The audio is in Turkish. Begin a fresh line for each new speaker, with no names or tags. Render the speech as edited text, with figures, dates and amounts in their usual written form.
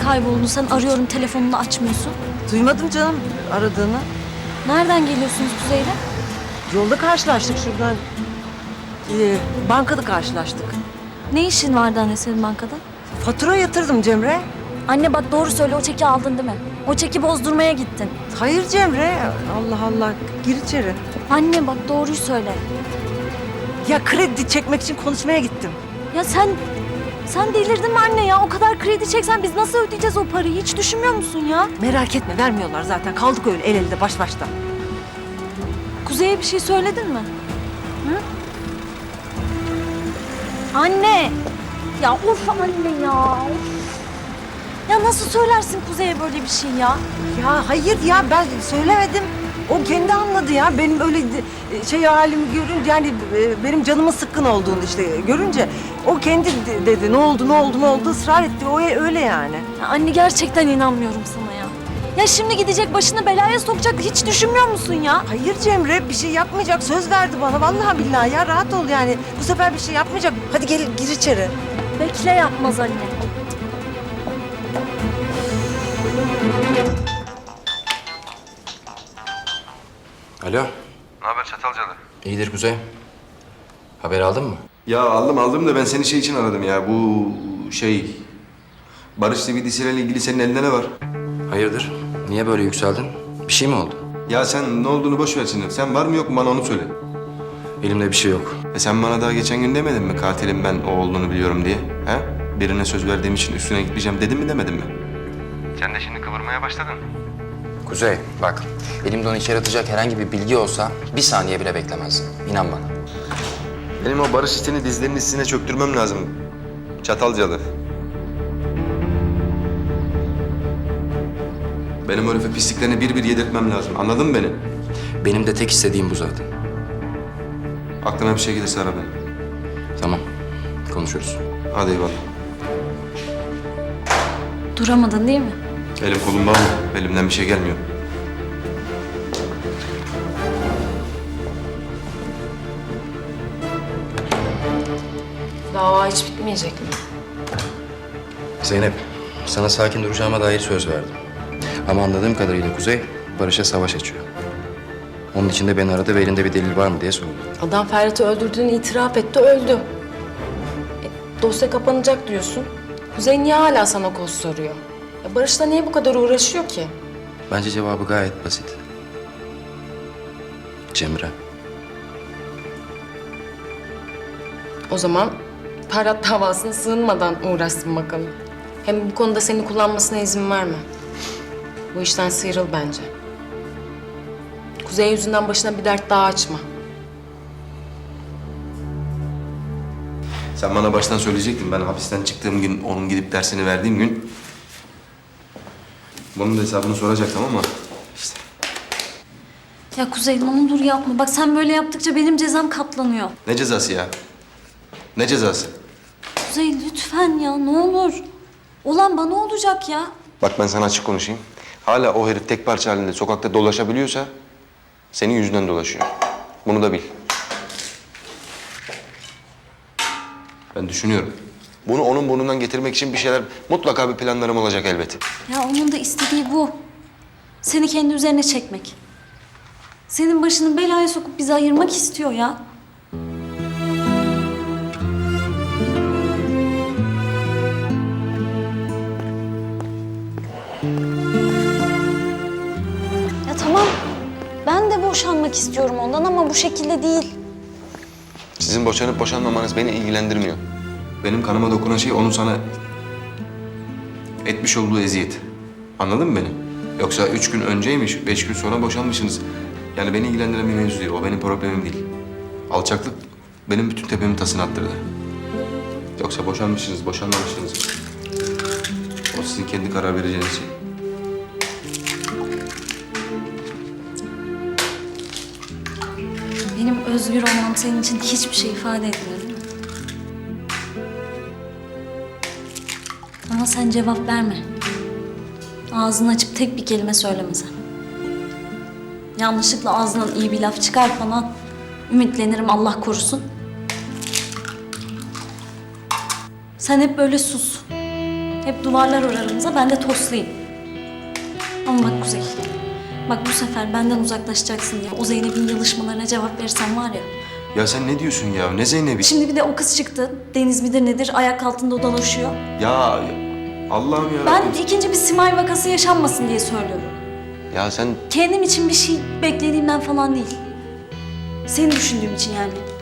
kayboldun sen? Arıyorum, telefonunu açmıyorsun.
Duymadım canım aradığını.
Nereden geliyorsunuz Kuzey'le?
Yolda karşılaştık şuradan. Bankada karşılaştık.
Ne işin vardı anne senin bankada?
Fatura yatırdım Cemre.
Anne bak doğru söyle, o çeki aldın değil mi? O çeki bozdurmaya gittin.
Hayır Cemre. Allah Allah. Gir içeri.
Anne bak doğruyu söyle.
Ya kredi çekmek için konuşmaya gittim.
Ya sen delirdin mi anne ya? O kadar kredi çeksen biz nasıl ödeyeceğiz o parayı? Hiç düşünmüyor musun ya?
Merak etme vermiyorlar zaten. Kaldık öyle el elde baş başta.
Kuzey'e bir şey söyledin mi? Hı? Anne! Ya of anne ya! Of. Ya nasıl söylersin Kuzey'e böyle bir şey ya?
Ya hayır ya ben söylemedim. O kendi anladı ya. Benim öyle şey halimi görünce yani benim canımın sıkkın olduğunu işte görünce o kendi dedi ne oldu ısrar etti. O öyle yani.
Ya anne gerçekten inanmıyorum sana ya. Ya şimdi gidecek başını belaya sokacak, hiç düşünmüyor musun ya?
Hayır Cemre bir şey yapmayacak söz verdi bana vallahi billahi ya rahat ol yani. Bu sefer bir şey yapmayacak. Hadi gel gir içeri.
Bekle yapmaz anne.
Alo,
Ne haber Çatalcalı?
iyidir Kuzey. Haber aldın mı?
Ya aldım da ben seni şey için aradım ya. Bu şey... Barış CBD'siyle ilgili senin elinde ne var?
Hayırdır? Niye böyle yükseldin? Bir şey mi oldu?
Ya sen ne olduğunu boş ver şimdi. Sen var mı yok mu bana onu söyle.
Elimde bir şey yok.
Sen bana daha geçen gün demedin mi katilim ben o olduğunu biliyorum diye? He? Birine söz verdiğim için üstüne gitmeyeceğim dedim mi demedin mi? Sen de şimdi kıvırmaya başladın.
Kuzey, bak. Elimde onu içeri atacak herhangi bir bilgi olsa bir saniye bile beklemezdim. İnan bana.
Benim o Barış işini dizlerinin üstüne çöktürmem lazım. Çatalcalı. Benim o herife pisliklerini bir bir yedirtmem lazım. Anladın mı beni?
Benim de tek istediğim bu zaten.
Aklına bir şey gelirse ara beni.
Tamam, konuşuruz.
Hadi eyvallah.
Duramadın değil mi?
Elim kolum bağlı. Elimden bir şey gelmiyor.
Dava hiç bitmeyecek mi?
Zeynep, sana sakin duracağıma dair söz verdim. Ama anladığım kadarıyla Kuzey, Barış'a savaş açıyor. Onun için de beni aradı ve elinde bir delil var mı diye sordu.
Adam Ferhat'ı öldürdüğünü itiraf etti, öldü. Dosya kapanacak diyorsun. Kuzey niye hala sana koz soruyor? Barış'la niye bu kadar uğraşıyor ki?
Bence cevabı gayet basit. Cemre.
O zaman Ferhat davasına sığınmadan uğraşsın bakalım. Hem bu konuda seni kullanmasına izin verme. Bu işten sıyrıl bence. Kuzey yüzünden başına bir dert daha açma.
Sen bana baştan söyleyecektin. Ben hapisten çıktığım gün, onun gidip dersini verdiğim gün... Bunun da hesabını soracaktım ama işte.
Ya Kuzey ne olur yapma. Bak sen böyle yaptıkça benim cezam katlanıyor.
Ne cezası ya? Ne cezası?
Kuzey lütfen ya ne olur. Olan bana olacak ya.
Bak ben sana açık konuşayım. Hala o herif tek parça halinde sokakta dolaşabiliyorsa... senin yüzünden dolaşıyor. Bunu da bil. Ben düşünüyorum. Bunu onun burnundan getirmek için bir şeyler... mutlaka bir planlarım olacak elbet.
Ya onun da istediği bu. Seni kendi üzerine çekmek. Senin başını belaya sokup bizi ayırmak istiyor ya. Ya tamam. Ben de boşanmak istiyorum ondan ama bu şekilde değil.
Sizin boşanıp boşanmamanız beni ilgilendirmiyor. Benim kanıma dokunan şey onun sana etmiş olduğu eziyet. Anladın mı beni? Yoksa 3 gün önceymiş, 5 gün sonra boşanmışsınız. Yani beni ilgilendiren bir mevzu değil, o benim problemim değil. Alçaklık benim bütün tepemin tasını attırdı. Yoksa boşanmışsınız, boşanmamışsınız. O sizin kendi karar vereceğiniz şey.
Benim özgür olmam senin için hiçbir şey ifade etmiyor değil mi? Ama sen cevap verme. Ağzını açıp tek bir kelime söyleme sen. Yanlışlıkla ağzından iyi bir laf çıkar falan. Ümitlenirim Allah korusun. Sen hep böyle sus. Hep duvarlar aramıza, ben de toslayayım. Ama bak Kuzey, bak bu sefer benden uzaklaşacaksın diye o Zeynep'in yalışmalarına cevap verirsen var ya.
Ya sen ne diyorsun ya? Ne Zeynep'i?
Şimdi bir de o kız çıktı. Deniz midir nedir ayak altında dolaşıyor.
Ya Allah'ım ya.
Ben ikinci bir Simay vakası yaşanmasın diye söylüyorum.
Ya sen
Kendim için bir şey beklediğimden falan değil. Seni düşündüğüm için yani.